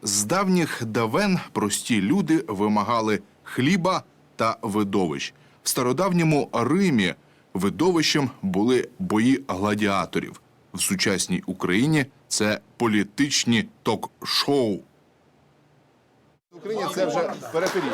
З давніх давен прості люди вимагали хліба та видовищ. В стародавньому Римі видовищем були бої гладіаторів. В сучасній Україні це політичні ток-шоу. В Україні це вже периферія.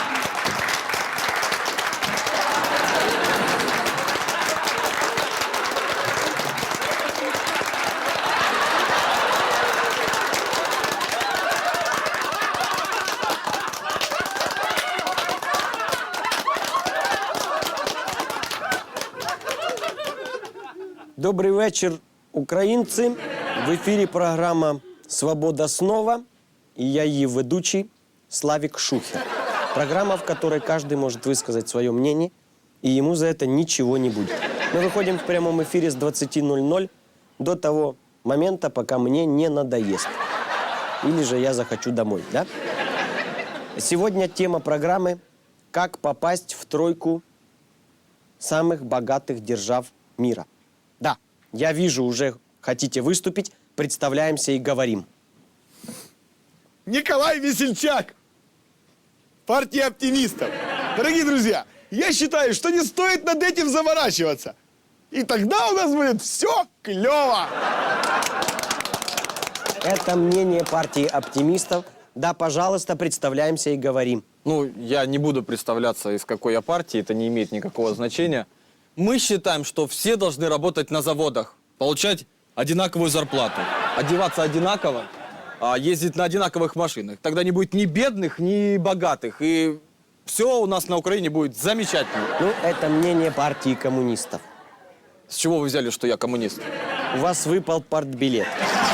Добрий вечір, українці. В ефірі програма «Свобода снова» и я ее ведущий Славик Шухер. Программа, в которой каждый может высказать свое мнение, и ему за это ничего не будет. Мы выходим в прямом эфире с 20:00 до того момента, пока мне не надоест. Или же я захочу домой, да? Сегодня тема программы «Как попасть в тройку самых богатых держав мира». Да, я вижу, уже хотите выступить, представляемся и говорим. Николай Весельчак, партия оптимистов. Дорогие друзья, я считаю, что не стоит над этим заморачиваться. И тогда у нас будет все клево. Это мнение партии оптимистов. Да, пожалуйста, представляемся и говорим. Ну, я не буду представляться, из какой я партии, это не имеет никакого значения. Мы считаем, что все должны работать на заводах, получать одинаковую зарплату, одеваться одинаково, ездить на одинаковых машинах. Тогда не будет ни бедных, ни богатых, и все у нас на Украине будет замечательно. Ну, это мнение партии коммунистов. С чего вы взяли, что я коммунист? У вас выпал партбилет.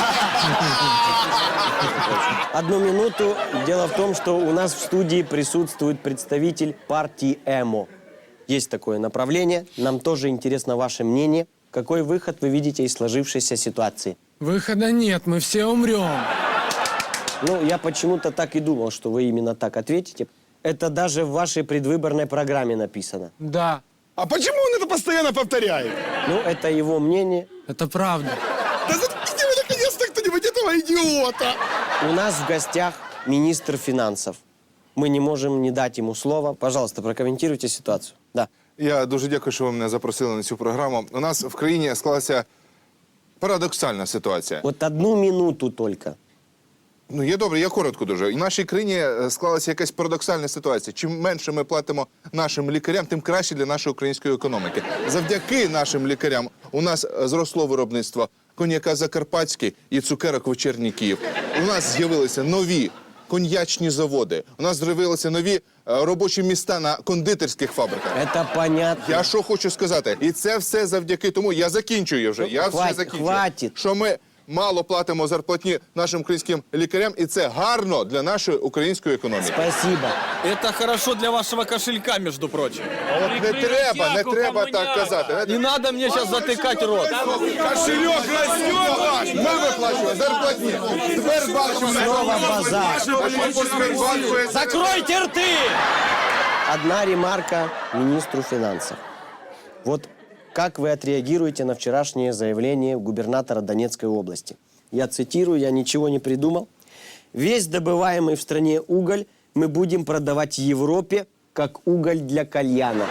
Одну минуту. Дело в том, что у нас в студии присутствует представитель партии ЭМО. Есть такое направление. Нам тоже интересно ваше мнение. Какой выход вы видите из сложившейся ситуации? Выхода нет, мы все умрем. Ну, я почему-то так и думал, что вы именно так ответите. Это даже в вашей предвыборной программе написано. Да, А почему он это постоянно повторяет? Ну, это его мнение. это правда. Да заткните вы наконец-то кто-нибудь этого идиота. У нас в гостях министр финансов. Мы не можем не дать ему слова. Пожалуйста, прокомментируйте ситуацию. Да. Я дуже дякую, що ви мене запросили на цю програму. У нас в країні склалася парадоксальна ситуація. Вот одну минуту только. Ну, є добре, я коротко дуже. В нашій країні склалася якась парадоксальна ситуація. Чим менше ми платимо нашим лікарям, тим краще для нашої української економіки. Завдяки нашим лікарям у нас зросло виробництво коньяка Закарпатський і цукерок Вечірній Київ. У нас з'явилися нові коньячні заводи. У нас з'явилися нові робочі місця на кондитерських фабриках. Это понятно. Я що хочу сказати? І це все завдяки тому, я закінчую вже, я все закінчую. Хватить. Що ми мало платимо зарплатні нашим українським лікарям, і це гарно для нашої української економіки. Спасибо. Это хорошо для вашего кошелька, между прочим. От не треба так казати. Не надо мне сейчас затыкать рот. Кошелек растет ваш. Ми виплачуємо зарплатні. Сбербанк Снова базар. Закройте рты! Одна ремарка министру финансов. Вот как вы отреагируете на вчерашнее заявление губернатора Донецкой области? Я цитирую, я ничего не придумал. Весь добываемый в стране уголь мы будем продавать Европе как уголь для кальяна.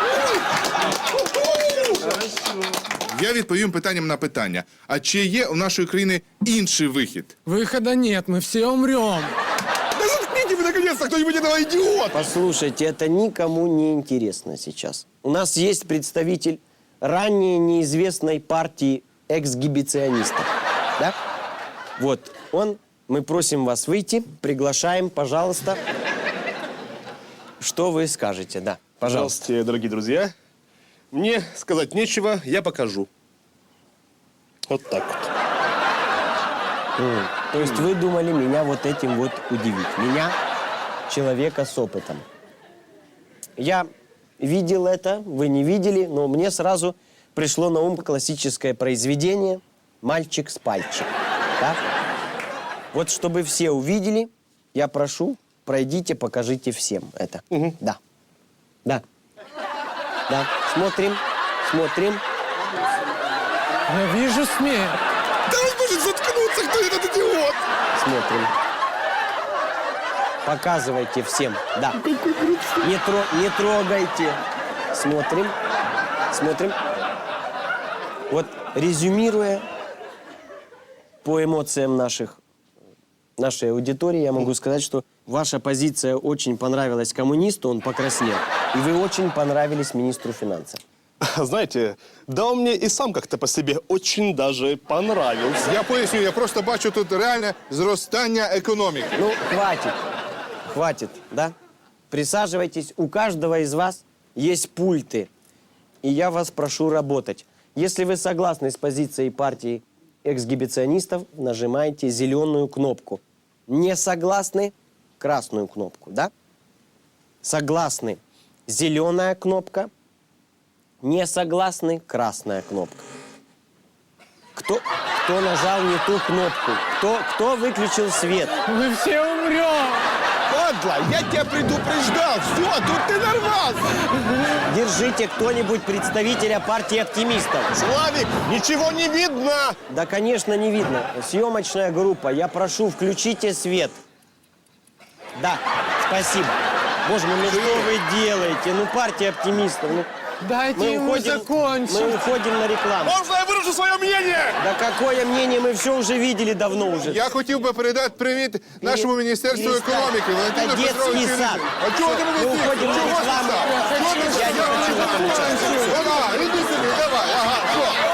Я відповім питанням на питання. А чи є у нашої країни інший вихід? Выхода нет, мы все умрем. Да заткните вы наконец-то кто-нибудь этого идиота. Послушайте, это никому не интересно сейчас. У нас есть представитель ранее неизвестной партии эксгибиционистов. Да? Вот он. Мы просим вас выйти, приглашаем, пожалуйста. Что вы скажете? Да, пожалуйста. Здравствуйте, дорогие друзья. Мне сказать нечего, я покажу. Вот так вот. То есть вы думали меня вот этим вот удивить? Меня, человека с опытом. Я видел это, вы не видели, но мне сразу пришло на ум классическое произведение «Мальчик с пальчик». Да? Вот чтобы все увидели, я прошу, пройдите, покажите всем это. Да. Да. Да. Смотрим. Смотрим. Я вижу смерть. Да он может заткнуться, кто этот идиот. Смотрим. Показывайте всем. Да. Не трогайте. Смотрим. Смотрим. Вот резюмируя по эмоциям нашей аудитории, я могу сказать, что ваша позиция очень понравилась коммунисту, он покраснел. И вы очень понравились министру финансов. Знаете, да он мне и сам как-то по себе очень даже понравился. Я поясню, я просто бачу тут реальне зростання економіки. Ну, хватит, да? Присаживайтесь, у каждого из вас есть пульты. И я вас прошу работать. Если вы согласны с позицией партии эксгибиционистов, нажимаете зеленую кнопку. Не согласны – красную кнопку, да? Согласны – зеленая кнопка. Не согласны – красная кнопка. Кто нажал не ту кнопку? Кто выключил свет? Мы все умрем! Падла, я тебя предупреждал. Все, тут ты нарвался. Держите кто-нибудь представителя партии оптимистов. Славик, ничего не видно. Да, конечно, не видно. Съемочная группа, я прошу, включите свет. Да, спасибо. Боже мой, ну что вы делаете? Ну, партия оптимистов. Ну, Дайте ему закончить. мы уходим на рекламу. Можно я выражу свое мнение? Да какое мнение? Мы все уже видели давно уже. Я хотів би передати привіт нашому Міністерству перестань. економіки. Валентину Це Петровичу. детський сад. А чого ти мене Ми тішиш? уходимо на Чого ти рекламу. так? Чого ти Я не так? хочу в этом участвовать. Давай, іди сюди, давай. Ага, що?